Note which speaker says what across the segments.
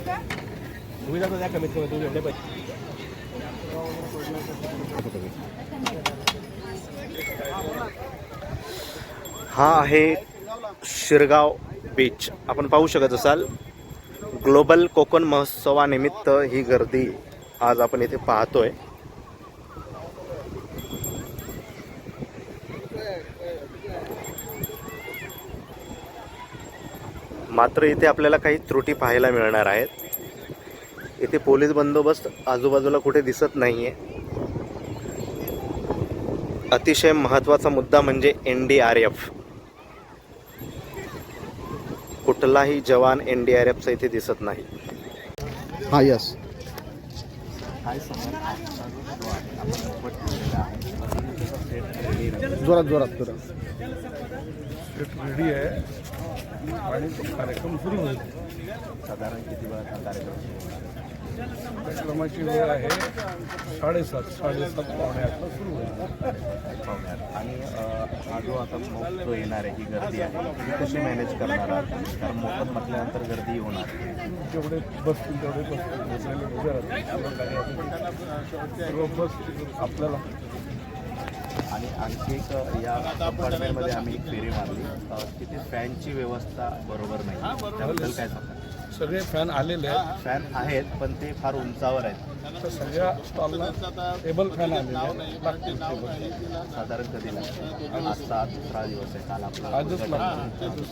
Speaker 1: तुम्ही जातो त्या कमीत कमी तुम्ही एवढे पैसे
Speaker 2: हा आहे शिरगाव बीच. आपण पाहू शकत असाल ग्लोबल कोकण महोत्सवानिमित्त ही गर्दी आज आपण इथे पाहतोय. मात्र इथे आपल्याला काही त्रुटी पाहायला मिळणार आहेत. इथे पोलीस बंदोबस्त आजूबाजूला कुठे दिसत नाहीये. अतिशय महत्त्वाचा मुद्दा म्हणजे NDRF. कुठलाही जवान NDRFचा इथे दिसत नाही.
Speaker 3: हा यस जोरात जोरात जोरात
Speaker 4: रेडी आहे आणि तो कार्यक्रम सुरू होईल.
Speaker 1: साधारण किती वेळा कार्यक्रम
Speaker 4: कार्यक्रमाची वेळ आहे 7:30 पावणे 8ला सुरू होईल.
Speaker 1: आणि हा जो आता मोप जो येणार आहे ही गर्दी आहे ती कशी मॅनेज करणार आहात? कारण मोफत म्हटल्यानंतर गर्दी होणार.
Speaker 4: जेवढे बसतील तेवढे बसतील, बसलेले उभे राहतील, सर्व बस आपल्याला.
Speaker 1: आणि आणखी एक या कंपार्टमेंटमध्ये आम्ही एक फेरी मारली, तिथे फॅनची व्यवस्था बरोबर नाही. त्याबद्दल काय सांगा?
Speaker 4: सगळे फॅन आलेले आहेत.
Speaker 1: फॅन आहेत पण ते फार उंचावर आहेत.
Speaker 4: तर सगळ्या स्टॉलला टेबल फॅन आलेले आहेत. लागतील टेबल.
Speaker 1: साधारण कधी लागतं? आजचा दुसरा दिवस आहे. काल आपला
Speaker 4: आजच लागतो.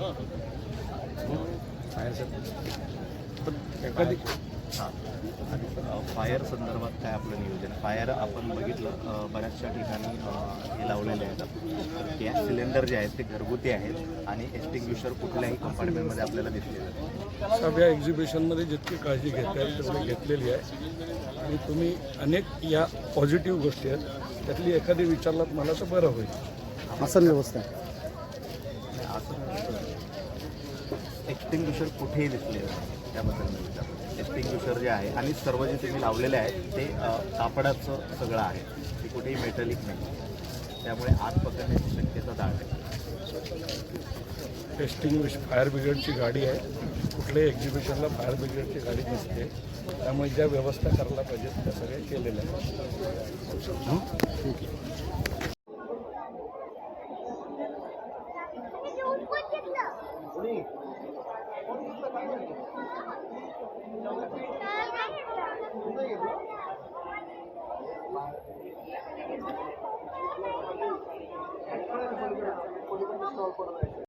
Speaker 4: पण एखादी
Speaker 1: हां. आणि फायर संदर्भात काय आपलं नियोजन? फायर आपण बघितलं बऱ्याचशा ठिकाणी हे लावलेले आहेत. तर गॅस सिलेंडर जे आहेत ते घरगुती आहेत आणि एक्सटिंग्विशर कुठल्याही कंपार्टमेंटमध्ये आपल्याला दिसलेलं नाही.
Speaker 4: सगळ्या एक्झिबिशनमध्ये जितकी काळजी घेता येईल तेवढी घेतलेली आहे. आणि तुम्ही अनेक या पॉझिटिव्ह गोष्टी आहेत, त्यातली एखादी विचारलात मला तर बरं होईल.
Speaker 3: आसन व्यवस्था
Speaker 1: असं एक्सटिंग्विशर कुठेही दिसले त्याबद्दल मी विचारतो. एक्सटिंग्विशर जे आहे आणि सर्व जे तुम्ही लावलेले आहेत ते कापडाचं सगळं आहे, ते कुठेही मेटलिक नाही. त्यामुळे आग पकडण्याची शक्यता दाट आहे.
Speaker 4: टेस्टिंग फायर ब्रिगेडची गाडी आहे. कुठल्याही एक्झिबिशनला फायर ब्रिगेडची गाडी नसते. त्यामुळे ज्या व्यवस्था करायला पाहिजेत त्या सगळ्या केलेल्या आहेत.
Speaker 3: ठीक आहे.
Speaker 5: स्टॉल